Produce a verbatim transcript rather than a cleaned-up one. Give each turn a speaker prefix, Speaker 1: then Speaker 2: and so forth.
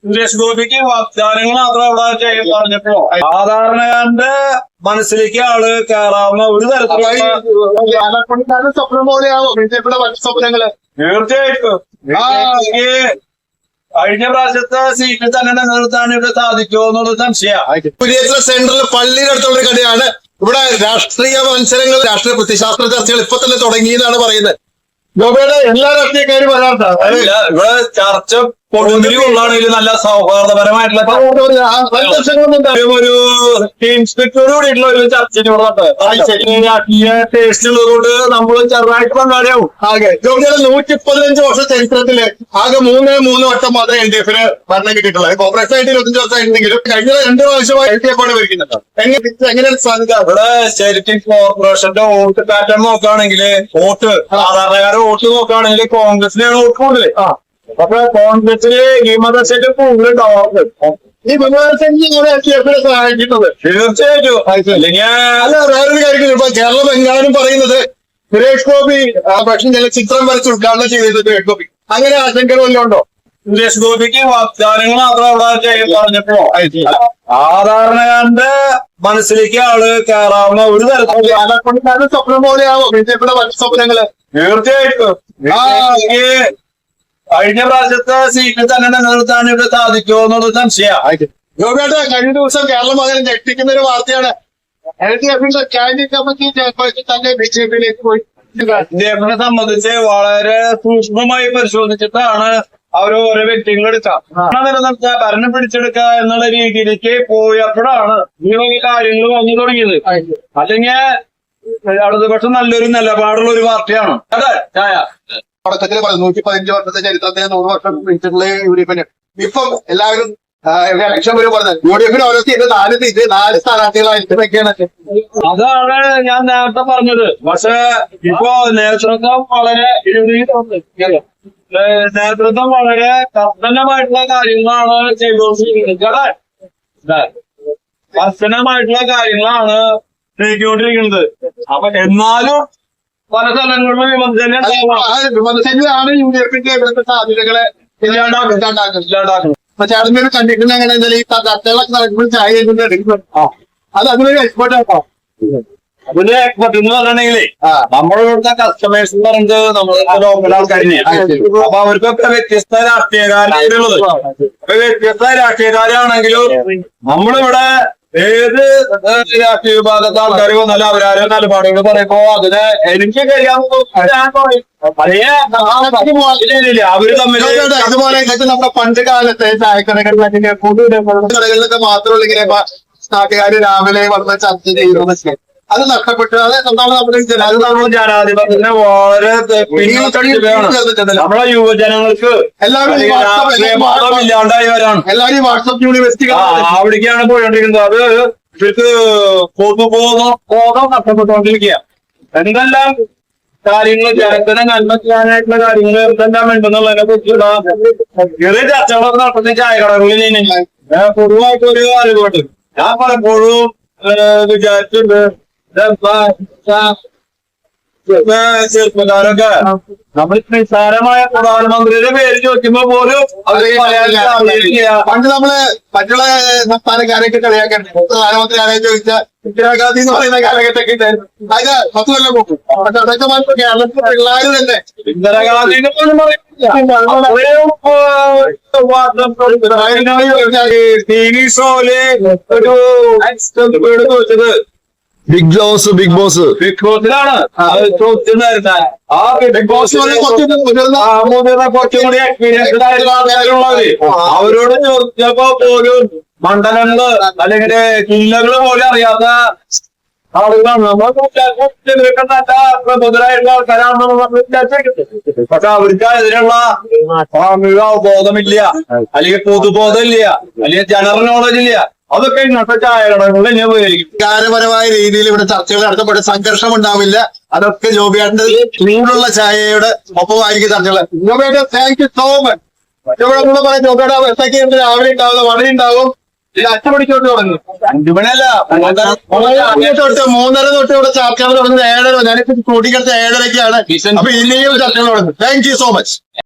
Speaker 1: സുരേഷ് ഗോപിക്ക് വാഗ്ദാനങ്ങൾ മാത്രം അവിടെ പറഞ്ഞപ്പോ സാധാരണക്കാരന്റെ മനസ്സിലേക്ക് ആള് കയറാവുന്ന ഒരു തരത്തിലുള്ള
Speaker 2: സ്വപ്നം പോലെയാവോ ബിജെപിയുടെ മറ്റു സ്വപ്നങ്ങള്?
Speaker 1: തീർച്ചയായിട്ടും കഴിഞ്ഞ പ്രാവശ്യത്തെ സീറ്റിൽ തന്നെ നിലനിർത്താൻ ഇവിടെ സാധിക്കുമോ എന്നുള്ള സംശയമാണ്.
Speaker 2: സെന്ററിൽ പള്ളിയുടെ അടുത്തുള്ള ഒരു കടയാണ്. ഇവിടെ രാഷ്ട്രീയ മത്സരങ്ങൾ, രാഷ്ട്രീയ പ്രത്യശാസ്ത്ര ചർച്ചകൾ ഇപ്പൊ തന്നെ തുടങ്ങി എന്നാണ് പറയുന്നത്. ഗോപയുടെ എല്ലാ രാഷ്ട്രീയക്കാരും വരാറുണ്ട്.
Speaker 1: ഇവിടെ ചർച്ച കൊള്ളാണെങ്കിൽ നല്ല സൗഹാർദ്ദപരമായിട്ടുള്ള ഒരു ടീം സ്പിരിറ്റോട് കൂടിയിട്ടുള്ള ഒരു ചർച്ച രാഷ്ട്രീയ ടേസ്റ്റ് ഉള്ളതുകൊണ്ട് നമ്മൾ ചെറുതായിട്ട് പങ്കാളിയാവും.
Speaker 2: ആകെ ഗോപയുടെ നൂറ്റി പതിനഞ്ച് വർഷ ചരിത്രത്തില് ആകെ മൂന്ന് മൂന്ന് വട്ടം മാത്രമേ എൽ ഡി എഫിന് ഭരണം കിട്ടിയിട്ടുള്ളത്. കോൺഗ്രസ് ആയിട്ട് ഇരുപത്തഞ്ച് വർഷമായിട്ടുണ്ടെങ്കിലും കഴിഞ്ഞ രണ്ട് പ്രാവശ്യമായി എൽ ഡി എഫ് ആണ് ഭരിക്കുന്നത്. എങ്ങനെയാണ് സാധിക്കുക?
Speaker 1: ഇവിടെ ശരിക്കും കോർപ്പറേഷന്റെ വോട്ട് പാറ്റേൺ നോക്കുകയാണെങ്കിൽ വോട്ട് സാധാരണക്കാരുടെ വോട്ട് നോക്കുകയാണെങ്കിൽ കോൺഗ്രസിനാണ് വോട്ട് കൂടുതൽ. അപ്പൊ കോൺഗ്രസിന് ഈ മതത്തിന്റെ കൂടുതലുണ്ടാവും.
Speaker 2: ഈ വിമർശനം സഹായിക്കുന്നത്
Speaker 1: തീർച്ചയായിട്ടും.
Speaker 2: അല്ല, വേറൊരു കാര്യം ഇപ്പൊ കേരളം എങ്ങാനും പറയുന്നത് സുരേഷ് ഗോപി പക്ഷെ ചില ചിത്രം വരച്ച് ഉദ്ഘാടനം ചെയ്തത് സുരേഷ് ഗോപി, അങ്ങനെ ആശങ്കകൾ വല്ലതും ഉണ്ടോ?
Speaker 1: സുരേഷ് ഗോപിക്ക് വാഗ്ദാനങ്ങൾ മാത്രം അവിടെ പറഞ്ഞപ്പോ സാധാരണക്കാരന്റെ മനസ്സിലേക്ക് ആള് കയറാവുന്ന ഒരു തരത്തിലുള്ള
Speaker 2: സ്വപ്നം പോലെയാവോ ബിജെപിയുടെ മറ്റു സ്വപ്നങ്ങള്?
Speaker 1: തീർച്ചയായിട്ടും കഴിഞ്ഞ പ്രാവശ്യത്തെ സീറ്റിൽ തന്നെ നിലനിർത്താൻ ഇവിടെ സാധിക്കുമോ എന്നുള്ള സംശയമാണ്.
Speaker 2: ഗോപിയായിട്ട് കഴിഞ്ഞ ദിവസം കേരളം അങ്ങനെ ഞെട്ടിക്കുന്ന ഒരു വാർത്തയാണ്. എൽ ഡി എഫിന്റെ സ്റ്റാൻഡിംഗ് കമ്മിറ്റി ചെയർപേഴ്സൺ തന്നെ ബി ജെ പിയിലേക്ക് പോയി.
Speaker 1: ഡി എഫിനെ സംബന്ധിച്ച് വളരെ സൂക്ഷ്മമായി പരിശോധിച്ചിട്ടാണ് അവർ ഓരോ വ്യക്തികൾ എടുക്കുക നിലനിർത്തുക, ഭരണം പിടിച്ചെടുക്കുക എന്നുള്ള രീതിയിലേക്ക് പോയപ്പോഴാണ് ഈ കാര്യങ്ങൾ വന്നു തുടങ്ങിയത്. അല്ലെങ്കിൽ ഇടതുപക്ഷം നല്ലൊരു നിലപാടുള്ള ഒരു പാർട്ടിയാണ്. അതെ ചായ
Speaker 2: തുടക്കത്തിൽ പറഞ്ഞു നൂറ്റി പതിനഞ്ച് വർഷത്തെ ചരിത്രത്തിന് നൂറ് വർഷം പിടിച്ചിട്ടുള്ള യു ഡി എഫിന് ഇപ്പം എല്ലാവരും ഇലക്ഷൻ വരും പറഞ്ഞത് യു ഡി എഫിന് ഓരോ സീറ്റ് നാല് സീറ്റ് നാല് സ്ഥാനാർത്ഥികളായിട്ടൊക്കെയാണ്.
Speaker 1: അതാണ് ഞാൻ നേരത്തെ പറഞ്ഞത്. പക്ഷെ ഇപ്പോ നേതൃത്വം വളരെ നേതൃത്വം വളരെ കർശനമായിട്ടുള്ള കാര്യങ്ങളാണ് ചെയ്തുകൊണ്ടിരിക്കുന്നത്. കർശനമായിട്ടുള്ള കാര്യങ്ങളാണ് നീക്കിക്കൊണ്ടിരിക്കുന്നത്. അപ്പൊ എന്നാലും പല സ്ഥലങ്ങളിലും വിമർശനം
Speaker 2: വിമർശനമാണ് യു ഡി എഫിന്റെ ഇവിടുത്തെ സാധ്യതകളെ ഇല്ലാണ്ടാക്കുന്നത്. പക്ഷെ അതിന്റെ ഒരു കണ്ടീഷൻ എങ്ങനെ ഈ ചർച്ചകളൊക്കെ നടക്കുമ്പോൾ ചായ എടുക്കുന്നത് അത് അതിനൊരു എക്സ്പെർട്ട് ആട്ടോ.
Speaker 1: അതിന്റെ എക്സ്പെർട്ട് എന്ന് പറഞ്ഞിട്ടുണ്ടെങ്കിലേ നമ്മുടെ ഇവിടുത്തെ കസ്റ്റമേഴ്സ് എന്ന് പറയുന്നത് നമ്മുടെ ലോക്കൽ ആൾക്കാർ തന്നെയാണ്. അപ്പൊ അവർക്കൊക്കെ വ്യത്യസ്ത രാഷ്ട്രീയക്കാരുള്ളത്. അപ്പൊ വ്യത്യസ്ത രാഷ്ട്രീയക്കാരാണെങ്കിലും നമ്മളിവിടെ ഏത് രാഷ്ട്രീയ വിഭാഗത്തെ ആൾക്കാർ വന്നാലും അവരാരോ നിലപാടുകൾ പറയുമ്പോ അതിന് എനിക്ക് കഴിയാവുന്ന ഞാൻ പറയും. അവര് തമ്മിൽ
Speaker 2: അതുപോലെ നമ്മുടെ പണ്ട് കാലത്തെ ചായക്കടകളിലൊക്കെ കടകളിലൊക്കെ മാത്രമുള്ള ഇങ്ങനെ നാട്ടുകാര് രാവിലെ വന്ന് ചർച്ച ചെയ്യുന്നത് അത് നഷ്ടപ്പെട്ടു. അത് എന്താണ് നമ്മുടെ
Speaker 1: അത് നമ്മൾ ജനാധിപത്യത്തിന് വളരെ നമ്മളെ യുവജനങ്ങൾക്ക്
Speaker 2: എല്ലാവരും
Speaker 1: ഇല്ലാണ്ടായി വരാണ്.
Speaker 2: എല്ലാവരും വാട്സപ്പ് യൂണിവേഴ്സിറ്റി
Speaker 1: അവിടേക്കാണ് പോയിക്കൊണ്ടിരിക്കുന്നത്. അത് ഇവർക്ക് പൊതുബോധം ബോധം നഷ്ടപ്പെട്ടുകൊണ്ടിരിക്കുക. എന്തെല്ലാം കാര്യങ്ങൾ ജനത്തിന് നന്മ ചെയ്യാനായിട്ടുള്ള കാര്യങ്ങൾ എന്തെല്ലാം വേണ്ടെന്നുള്ളതിനെ കുറിച്ചുള്ള ചെറിയ ചർച്ചകളൊക്കെ നടത്തുന്ന ചായക്കടകളിൽ പൊതുവായിട്ട് ഒരു അറിവുണ്ട്. ഞാൻ പലപ്പോഴും വിചാരിച്ചിട്ടുണ്ട് ചെറുപ്പക്കാരൊക്കെ നമ്മൾ നിസ്സാരമായ പ്രധാനമന്ത്രിയുടെ പേര് ചോദിക്കുമ്പോ പോലും അവര്
Speaker 2: പണ്ട് നമ്മള് മറ്റുള്ള സംസ്ഥാനക്കാരെയൊക്കെ കളിയാക്കണ്ടേ പ്രധാനമന്ത്രി ആരെ ചോദിച്ചാൽ ഇന്ദിരാഗാന്ധി എന്ന് പറയുന്ന കാലഘട്ടമൊക്കെ ഉണ്ടായിരുന്നു. അത് പത്ത് കൊല്ലം പോകും. പക്ഷെ അതൊക്കെ മാത്രം കേരളത്തിലെ പിള്ളേർ തന്നെ
Speaker 1: ഇന്ദിരാഗാന്ധിനെ പോലും ടി വി ഷോയില് ഒരു വീട് ചോദിച്ചത്
Speaker 2: Bigg Boss Bigg Boss
Speaker 1: Bigg ബോസിലാണ് ചോദ്യം വരുന്നത്. ആ ബിഗ് ബോസ് മുതിർന്ന കുറച്ചും കൂടി എക്സ്പീരിയൻസ്ഡ് ആയിട്ടുള്ള ആൾക്കാരുള്ളത് അവരോട് ചോദിച്ചപ്പോ പോലും മണ്ഡലങ്ങള് അല്ലെങ്കിൽ ജില്ലകള് പോലും അറിയാത്ത ആളുകളാണ്. നമ്മൾ പ്രബുദ്ധരായിട്ടുള്ള ആൾക്കാരാണെന്ന് നമ്മൾ വിചാരിച്ചേക്കുന്നത്. പക്ഷെ അവർക്ക് അതിനുള്ള സാമൂഹിക അവബോധമില്ല, അല്ലെങ്കിൽ പൊതുബോധം ഇല്ല, അല്ലെങ്കിൽ ജനറൽ നോളജ് ഇല്ല. അതൊക്കെ ഇന്നത്തെ ചായകടകളിൽ തന്നെ ഉപയോഗിക്കും.
Speaker 2: വികാരപരമായ രീതിയിൽ ഇവിടെ ചർച്ചകൾ നടത്തപ്പെട്ട് സംഘർഷം ഉണ്ടാവില്ല. അതൊക്കെ ജോബിയാണ്ട് ചൂടുള്ള ചായയുടെ ഒപ്പമായിരിക്കും ചർച്ചകൾ. ജോബിയായിട്ട് താങ്ക് യു സോ മച്ച്. ഇവിടെ കൂടെ പറയാം ജോബിയുടെ വ്യവസ്ഥയ്ക്ക് രാവിലെ ഉണ്ടാവുന്ന വട ഉണ്ടാവും. ഇത് അച്ചമണിക്കോട്ട് തുടങ്ങി
Speaker 1: അഞ്ചു മണിയല്ല
Speaker 2: തൊട്ട് മൂന്നര തൊട്ട് ഇവിടെ ചർച്ചകൾ തുടങ്ങുന്നത് ഏഴര. ഞാനിപ്പോ കൂട്ടിക്കടുത്ത ഏഴരയ്ക്കാണ്. അപ്പൊ ഇനിയും ചർച്ചകൾ തുടങ്ങുന്നത്. Thank you so much.